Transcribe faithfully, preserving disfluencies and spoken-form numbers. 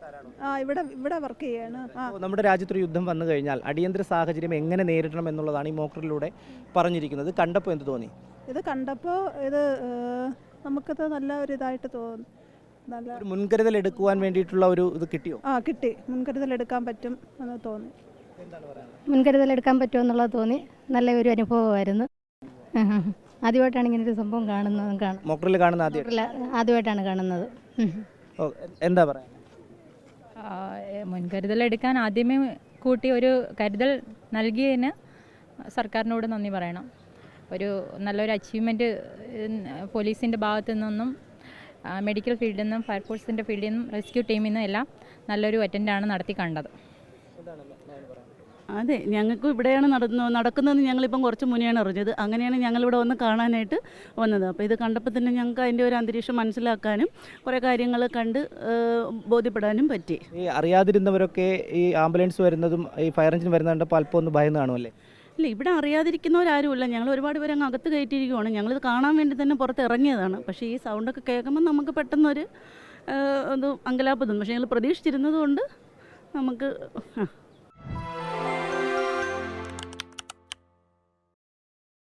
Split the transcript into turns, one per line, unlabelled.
ആ ഇവിടെ ഇവിടെ വർക്ക് ചെയ്യാണ്. ആ
നമ്മുടെ രാജ്യത്തൊരു യുദ്ധം വന്നു കഴിഞ്ഞാൽ അടിയന്തര സാഹചര്യം എങ്ങനെ നേരിടണം എന്നുള്ളതാണ് ഈ മോക്കറിലൂടെ പറഞ്ഞിരിക്കുന്നത്. കണ്ടപ്പോൾ എന്ത് തോന്നി?
ഇത് കണ്ടപ്പോൾ ഇത് ഏഹ്, നമുക്കത് നല്ല ഒരു ഇതായിട്ട് തോന്നി. നല്ല
ഒരു മുൻകരുതൽ എടുക്കുവാൻ വേണ്ടിയിട്ടുള്ള ഒരു ഇത് കിട്ടിയോ?
ആ കിട്ടി, മുൻകരുതൽ എടുക്കാൻ പറ്റും എന്ന് തോന്നി.
എന്താണ് പറയുന്നത്?
മുൻകരുതൽ എടുക്കാൻ പറ്റുമെന്നുള്ളത് തോന്നി. നല്ല ഒരു അനുഭവമായിരുന്നു. ആദ്യമായിട്ടാണ് ഇങ്ങനെ ഒരു സംഭവം കാണുന്നത്. കാണും
മോക്കറിൽ കാണുന്ന ആദ്യം
ആദ്യമായിട്ടാണ് കാണുന്നത്.
ഓ, എന്താ പറയുക?
മുൻകരുതലെടുക്കാൻ ആദ്യമേ കൂട്ടി ഒരു കരുതൽ നൽകിയതിന് സർക്കാരിനോട് നന്ദി പറയണം. ഒരു നല്ലൊരു അച്ചീവ്മെൻറ്റ് പോലീസിൻ്റെ ഭാഗത്തു നിന്നും മെഡിക്കൽ ഫീൽഡിൽ നിന്നും ഫയർഫോഴ്സിൻ്റെ ഫീൽഡിൽ നിന്നും റെസ്ക്യൂ ടീമിൽ നിന്നും എല്ലാം നല്ലൊരു അറ്റൻഡാണ് നടത്തി കണ്ടത്.
അതെ, ഞങ്ങൾക്കും ഇവിടെയാണ് നടന്നു നടക്കുന്നതെന്ന് ഞങ്ങളിപ്പം കുറച്ച് മുന്നെയാണ് അറിഞ്ഞത്. അങ്ങനെയാണ് ഞങ്ങളിവിടെ വന്ന് കാണാനായിട്ട് വന്നത്. അപ്പോൾ ഇത് കണ്ടപ്പോൾ തന്നെ ഞങ്ങൾക്ക് അതിൻ്റെ ഒരു അന്തരീക്ഷം മനസ്സിലാക്കാനും കുറേ കാര്യങ്ങൾ കണ്ട് ബോധ്യപ്പെടാനും പറ്റി.
ഈ അറിയാതിരുന്നവരൊക്കെ ഈ ആംബുലൻസ് വരുന്നതും ഈ ഫയർ എഞ്ചിൻ വരുന്നത് കണ്ടപ്പോൾ അല്പം ഒന്ന് ഭയന്ന് കാണുമല്ലേ?
ഇല്ല, ഇവിടെ അറിയാതിരിക്കുന്നവരാരുമില്ല. ഞങ്ങൾ ഒരുപാട് പേര് അങ്ങ് അകത്ത് കയറ്റിയിരിക്കുവാണ്. ഞങ്ങളിത് കാണാൻ വേണ്ടി തന്നെ പുറത്ത് ഇറങ്ങിയതാണ്. പക്ഷേ ഈ സൗണ്ടൊക്കെ കേൾക്കുമ്പോൾ നമുക്ക് പെട്ടെന്നൊരു ഇത് അങ്കലാപ്പ് തോന്നും. പക്ഷേ ഞങ്ങൾ പ്രതീക്ഷിച്ചിരുന്നത് കൊണ്ട് നമുക്ക്